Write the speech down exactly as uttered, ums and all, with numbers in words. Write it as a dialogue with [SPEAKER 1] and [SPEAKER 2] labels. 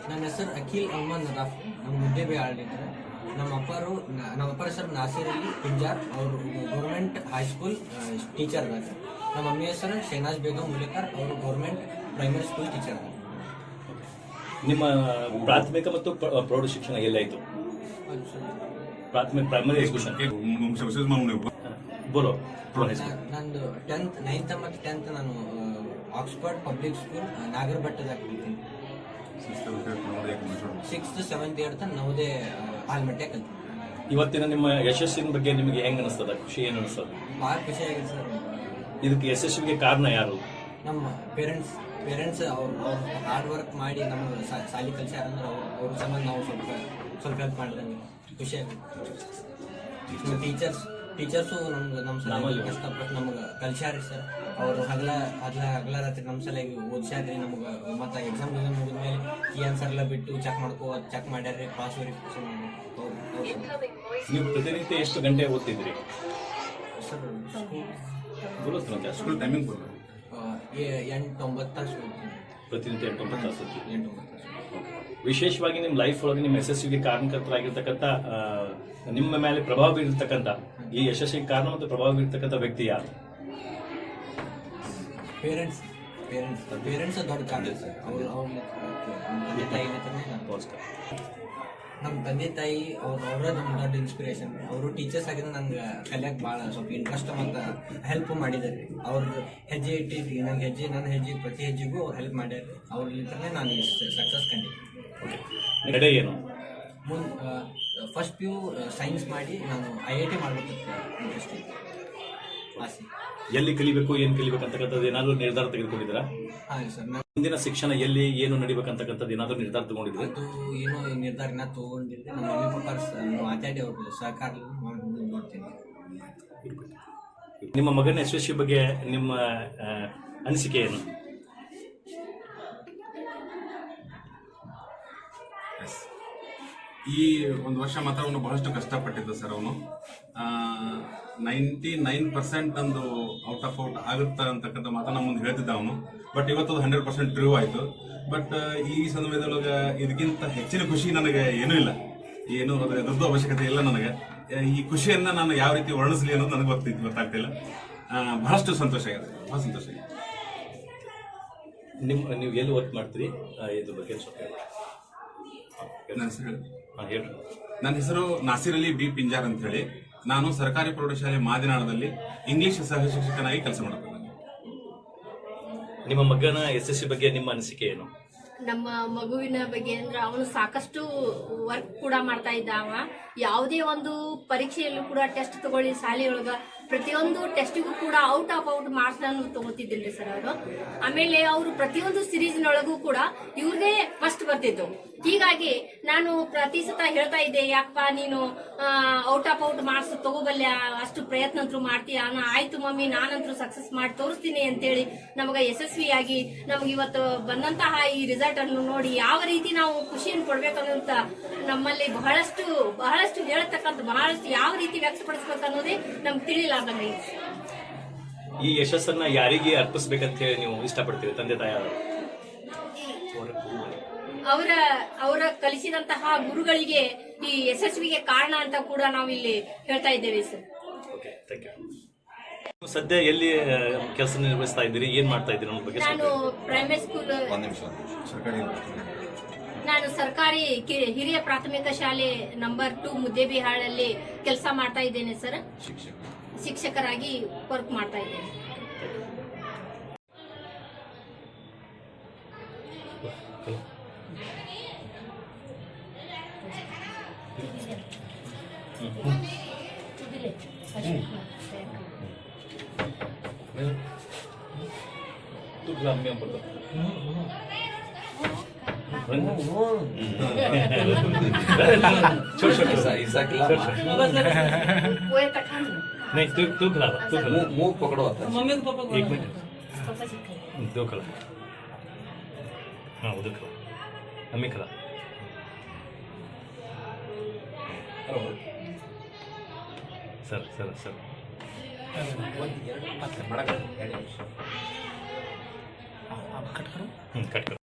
[SPEAKER 1] ನನ್ನ ಹೆಸರು ಅಖಿಲ್ ಅಹಮದ್ ನದಾಫ್. ನಮ್ಮ ಮುದ್ದೇಬಿಹಾಳಲಿಂದ. ನಮ್ಮ ಅಪ್ಪರು ನಮ್ಮ ಅಪ್ಪರ ಹೆಸರು ನಾಸಿರ್ ಅಲಿ ಪಿಂಜಾರ್. ಅವರು ಗೌರ್ಮೆಂಟ್ ಹೈಸ್ಕೂಲ್ ಟೀಚರ್ ಅದಾರ. ನಮ್ಮ ಮಮ್ಮಿ ಹೆಸರು ಶಹನಾಜ್ ಬೇಗಂ ಮುಲೇಕರ್. ಅವರು ಗೌರ್ಮೆಂಟ್ ಪ್ರೈಮರಿ ಸ್ಕೂಲ್ ಟೀಚರ್ ಅದಾರ.
[SPEAKER 2] ನಿಮ್ಮ ಪ್ರಾಥಮಿಕ ಮತ್ತು ಪ್ರೌಢ ಶಿಕ್ಷಣ ಎಲ್ಲಾಯಿತು? ಪ್ರಾಥಮಿಕ ಪ್ರೈಮರಿ ಎಜುಕೇಶನ್ ಬೋಲೋ.
[SPEAKER 1] ನಂದು ಟೆಂತ್ ನೈನ್ತ್ ಮತ್ತು ಟೆಂತ್ ನಾನು ಆಕ್ಸ್ಫರ್ಡ್ ಪಬ್ಲಿಕ್ ಸ್ಕೂಲ್ ನಾಗರಬಟ್ಟದಾಗ ಕಲಿತೀನಿ. Sixth seventh eighth Navodaya Almatti ಕಲ್ತೀನಿ.
[SPEAKER 2] ಇವತ್ತಿನ ನಿಮ್ಮ ಯಶಸ್ಸಿನ ಬಗ್ಗೆ ನಿಮಗೆ ಹೆಂಗ್ ಅನಿಸ್ತದ? ಖುಷಿ ಏನು ಅನಿಸ್ತದ?
[SPEAKER 1] ಭಾಳ ಖುಷಿ ಆಗಿದೆ ಸರ್.
[SPEAKER 2] ಇದಕ್ಕೆ ಯಶಸ್ವಿಗೆ ಕಾರಣ ಯಾರು?
[SPEAKER 1] ನಮ್ಮ ಪೇರೆಂಟ್ಸ್ ಪೇರೆಂಟ್ಸ್ ಅವ್ರು ಅವ್ರು ಹಾರ್ಡ್ ವರ್ಕ್ ಮಾಡಿ ನಮಗೆ ಸಾಲಿ ಕಲಿಸ್ಯಾರ ಅಂದ್ರೆ ಅವ್ರು ಅವ್ರ ಸಂಬಂಧ ನಾವು ಸ್ವಲ್ಪ ಸ್ವಲ್ಪ ಹೆಲ್ಪ್ ಮಾಡಿದಂಗೆ ಖುಷಿ ಆಗುತ್ತೆ. ಟೀಚರ್ಸ್ ಟೀಚರ್ಸು ನಮ್ಗೆ ನಮ್ಮ ಸಲ ಕಷ್ಟಪಟ್ಟು ನಮ್ಗೆ ಕಲ್ಸ್ಯಾರಿ ಸರ್. ಅವರು ಹಗಲ ಹಗಲ ಹಗಲ ರಾತ್ರಿ ನಮ್ಮ ಸಲಗಿ ಓದಿಸ್ಯಾರ್ರಿ ನಮ್ಗೆ. ಮತ್ತು ಎಕ್ಸಾಮ್ ಗಿಸಾಮ್ ಮುಗಿದ್ಮೇಲೆ ಈ ಆನ್ಸರ್ ಎಲ್ಲ ಬಿಟ್ಟು ಚೆಕ್ ಮಾಡ್ಕೋ ಚೆಕ್ ಮಾಡ್ಯಾರ್ರಿ, ಕ್ರಾಸ್ ವೆರಿಫಿಕೇಶನ್ ಮಾಡಿ.
[SPEAKER 2] ನೀವು ಪ್ರತಿನಿತ್ಯ ಎಷ್ಟು ಗಂಟೆ ಓದ್ತಿದ್ರಿ
[SPEAKER 1] ಸರ್?
[SPEAKER 2] ಸ್ಕೂಲ್ ಟೈಮಿಂಗ್
[SPEAKER 1] ಎಂಟು ಒಂಬತ್ತು ತಾಸು ಓದ್ತೀನಿ.
[SPEAKER 2] ಪ್ರತಿನಿತ್ಯ ಎಂಟು ಒಂಬತ್ತು ತಾಸು
[SPEAKER 1] ಎಂಟು ಒಂಬತ್ತು ತಾಸು.
[SPEAKER 2] ವಿಶೇಷವಾಗಿ ನಿಮ್ಮ ಲೈಫ್ ಒಳಗೆ ನಿಮ್ಮ ಯಶಸ್ವಿಗೆ ಕಾರಣಕರ್ತರಾಗಿರ್ತಕ್ಕಂಥ ನಿಮ್ಮ ಮೇಲೆ ಪ್ರಭಾವ ಬೀರಿರ್ತಕ್ಕಂಥ ಈ ಯಶಸ್ಸಿಗೆ ಕಾರಣ ಮತ್ತು ಪ್ರಭಾವ ಬೀರ್ತಕ್ಕಂಥ ವ್ಯಕ್ತಿ ಯಾರು?
[SPEAKER 1] ಪೇರೆಂಟ್ಸ್ ಪೇರೆಂಟ್ಸ್ ಪೇರೆಂಟ್ಸ್ ದೊಡ್ಡ ಕಾರಣ ಸರ್. ಅವರು ಅವ್ರ ತಂದೆ ತಾಯಿ ನಮ್ಮ ತಂದೆ ತಾಯಿ ಅವ್ರು ಅವರೇ ನಮ್ಮ ದೊಡ್ಡ ಇನ್ಸ್ಪಿರೇಷನ್. ಅವರು ಟೀಚರ್ಸ್ ಆಗಿದ್ರೆ ನಂಗೆ ಕಲಿಯಕ್ಕೆ ಭಾಳ ಸ್ವಲ್ಪ ಇಂಟ್ರೆಸ್ಟ್ ಮತ್ತು ಹೆಲ್ಪ್ ಮಾಡಿದ್ದಾರೆ. ಅವ್ರ ಹೆಜ್ಜೆ ಇಟ್ಟಿದ್ರಿ ನಂಗೆ ಹೆಜ್ಜೆ ನನ್ನ ಹೆಜ್ಜೆ ಪ್ರತಿ ಹೆಜ್ಜೆಗೂ ಅವ್ರು ಹೆಲ್ಪ್ ಮಾಡ್ಯಾರ. ಅವ್ರಲ್ಲಿಂದಲೇ ನಾನು ಸಕ್ಸಸ್ ಕಂಡಿದ್ದೆ.
[SPEAKER 2] ನಡೆ ಏನು?
[SPEAKER 1] ಮುಂದೆ ಫಸ್ಟ್ ಪಿ ಯು ಸೈನ್ಸ್ ಮಾಡಿ ನಾನು ಐ ಐ ಟಿ ಮಾಡಬೇಕಿತ್ತು ಇಂಟ್ರೆಸ್ಟ್ ಆಸೆ.
[SPEAKER 2] ಎಲ್ಲಿ ಕಲಿಬೇಕು ಏನು ಕಲಿಬೇಕು ಅಂತಕ್ಕಂಥದ್ದು ಏನಾದರೂ ನಿರ್ಧಾರ ತೆಗೆದುಕೊಂಡಿದ್ದೀರಾ?
[SPEAKER 1] ಹಾಂ ಸರ್. ನಾನು
[SPEAKER 2] ಮುಂದಿನ ಶಿಕ್ಷಣ ಎಲ್ಲಿ ಏನು ನಡಿಬೇಕಂತಕ್ಕಂಥದ್ದು ಏನಾದರೂ ನಿರ್ಧಾರ ತಗೊಂಡಿದ್ರೆ?
[SPEAKER 1] ಅದು ಏನೋ ನಿರ್ಧಾರನ ತೊಗೊಂಡಿದ್ದೆ. ನಮ್ಮ ಮಮ್ಮಿ ಪಪ್ಪ ಮಾತಾಡಿ ಅವ್ರ ಸಹಕಾರ ನೋಡ್ತೀನಿ.
[SPEAKER 2] ನಿಮ್ಮ ಮಗನ ಯಶಸ್ವಿ ಬಗ್ಗೆ ನಿಮ್ಮ ಅನಿಸಿಕೆ ಏನು?
[SPEAKER 3] ಈ ಒಂದು ವರ್ಷ ಮಾತ್ರ ಅವನು ಬಹಳಷ್ಟು ಕಷ್ಟಪಟ್ಟಿದ್ದ ಸರ್. ಅವನು ನೈಂಟಿ ನೈನ್ ಪರ್ಸೆಂಟ್ ಒಂದು ಔಟ್ ಆಫ್ ಔಟ್ ಆಗುತ್ತಾ ಅಂತಕ್ಕಂಥ ಮಾತ್ರ ನಮ್ಮ ಮುಂದೆ ಹೇಳ್ತಿದ್ದ ಅವನು. ಬಟ್ ಇವತ್ತು ಅದು ಹಂಡ್ರೆಡ್ ಪರ್ಸೆಂಟ್ ಟ್ರೂ ಆಯಿತು. ಬಟ್ ಈ ಸಮಯದೊಳಗೆ ಇದಕ್ಕಿಂತ ಹೆಚ್ಚಿನ ಖುಷಿ ನನಗೆ ಏನೂ ಇಲ್ಲ. ಏನು ಅದರ ಎದುರ್ದು ಅವಶ್ಯಕತೆ ಇಲ್ಲ ನನಗೆ. ಈ ಖುಷಿಯನ್ನು ನಾನು ಯಾವ ರೀತಿ ವರ್ಣಿಸಲಿ ಅನ್ನೋದು ನನಗೆ ಗೊತ್ತಿತ್ತು ಗೊತ್ತಾಗ್ತಿಲ್ಲ. ಬಹಳಷ್ಟು ಸಂತೋಷ ಆಗಿದೆ, ಬಹಳ ಸಂತೋಷ ಆಗಿದೆ.
[SPEAKER 2] ನಿಮ್ಮ ನೀವು ಎಲ್ಲಿ ವರ್ಕ್ ಮಾಡ್ತೀರಿ ಇದ್ರ ಬಗ್ಗೆ ಸ್ವಲ್ಪ
[SPEAKER 3] ನನ್ನ ಹೆಸರು
[SPEAKER 2] ಹಾಂ ಹೇಳಿ.
[SPEAKER 3] ನನ್ನ ಹೆಸರು ನಾಸಿರ್ ಅಲಿ ಬಿ ಪಿಂಜಾರ್ ಅಂತ ಹೇಳಿ. ನಾನು ಸರ್ಕಾರಿ ಪ್ರೌಢಶಾಲೆ ಮಾದಿನಾಳದಲ್ಲಿ ಇಂಗ್ಲಿಷ್ ಸಹ ಶಿಕ್ಷಕನಾಗಿ ಕೆಲಸ ಮಾಡುತ್ತೇನೆ.
[SPEAKER 2] ನಿಮ್ಮ ಮಗನ ಯಶಸ್ವಿ ಬಗ್ಗೆ ನಿಮ್ಮ ಅನಿಸಿಕೆ ಏನು?
[SPEAKER 4] ನಮ್ಮ ಮಗುವಿನ ಬಗ್ಗೆ ಅಂದ್ರೆ ಅವನು ಸಾಕಷ್ಟು ವರ್ಕ್ ಕೂಡ ಮಾಡ್ತಾ ಇದ್ದ. ಅವ ಯಾವುದೇ ಒಂದು ಪರೀಕ್ಷೆಯಲ್ಲೂ ಕೂಡ ಟೆಸ್ಟ್ ತಗೊಳ್ಳಿ ಶಾಲೆಯೊಳಗ ಪ್ರತಿಯೊಂದು ಟೆಸ್ಟಿಗೂ ಕೂಡ ಔಟ್ ಆಫ್ ಔಟ್ ಮಾರ್ಕ್ಸ್ ಅನ್ನು ತಗೋತಿದ್ದಿಲ್ರಿ ಸರ್ ಅವರು. ಆಮೇಲೆ ಅವರು ಪ್ರತಿಯೊಂದು ಸಿರೀಸ್ನೊಳಗೂ ಕೂಡ ಇವ್ರದೇ ಫಸ್ಟ್ ಬರ್ತಿತ್ತು. ಹೀಗಾಗಿ ನಾನು ಪ್ರತಿ ಸತ ಹೇಳ್ತಾ ಇದ್ದೆ, ಯಾಕಪ್ಪ ನೀನು ಔಟ್ ಆಫ್ ಔಟ್ ಮಾರ್ಕ್ಸ್ ತಗೋಬಲ್ಯ, ಅಷ್ಟು ಪ್ರಯತ್ನ ಅಂತೂ ಮಾಡ್ತೀಯ. ಆಯ್ತು ಮಮ್ಮಿ, ನಾನಂತರೂ ಸಕ್ಸಸ್ ಮಾಡಿ ತೋರಿಸ್ತೀನಿ ಅಂತೇಳಿ ನಮಗ ಯಶಸ್ವಿಯಾಗಿ ನಮ್ಗೆ ಇವತ್ತು ಬಂದಂತಹ ಈ ರಿಸಲ್ಟ್ ಅನ್ನು ನೋಡಿ ಯಾವ ರೀತಿ ನಾವು ಖುಷಿಯನ್ನು ಕೊಡ್ಬೇಕನ್ನೋಂತ ನಮ್ಮಲ್ಲಿ ಬಹಳಷ್ಟು ಬಹಳಷ್ಟು ಹೇಳ್ತಕ್ಕಂಥ ಬಹಳಷ್ಟು ಯಾವ ರೀತಿ ವ್ಯಕ್ತಪಡಿಸ್ಬೇಕು ಅನ್ನೋದೇ ನಮ್ಗೆ ತಿಳಿಲಾರ್ದಂಗೆ.
[SPEAKER 2] ಈ ಯಶಸ್ಸನ್ನ ಯಾರಿಗೆ ಅರ್ಪಿಸ್ಬೇಕಂತ ಹೇಳಿ ನೀವು ಇಷ್ಟಪಡ್ತೀರಿ? ತಂದೆ ತಾಯಿ
[SPEAKER 4] ಅವರ ಅವರ ಕಲಿಸಿದಂತಹ ಗುರುಗಳಿಗೆ ಈ ಯಶಸ್ವಿಗೆ ಕಾರಣ ಅಂತ ಕೂಡ ನಾವು ಇಲ್ಲಿ ಹೇಳ್ತಾ ಇದ್ದೇವೆ ಸರ್.
[SPEAKER 2] Okay, thank you. ಸದ್ಯ ಎಲ್ಲಿ ಕೆಲಸ ನಿರ್ವಹಿಸ್ತಾ ಇದ್ದೀರಿ? ಏನ್ ಮಾಡ್ತಾ ಇದ್ದೀರಿ ಅನ್ನೋ ಬಗ್ಗೆ?
[SPEAKER 4] ನಾನು ಪ್ರೈಮರಿ ಸ್ಕೂಲ್ ನಾನು ಸರ್ಕಾರಿ ಹಿರಿಯ ಪ್ರಾಥಮಿಕ ಶಾಲೆ ನಂಬರ್ ಟೂ ಮುದ್ದೇಬಿಹಾಳಲ್ಲಿ ಕೆಲಸ ಮಾಡ್ತಾ ಇದ್ದೇನೆ ಸರ್. ಶಿಕ್ಷಕರಾಗಿ ವರ್ಕ್ ಮಾಡ್ತಾ ಇದ್ದೇನೆ.
[SPEAKER 2] तू गुलाब में पड़ता छोड़ छोड़ ऐसा ऐसा खिला नहीं तू तू खिला तू खिला मुंह पकड़ो आता मम्मी को पापा एक मिनट दो खिला हाँ उधर खिला मम्मी खिला सर सर सर
[SPEAKER 5] कट करो
[SPEAKER 2] कट करो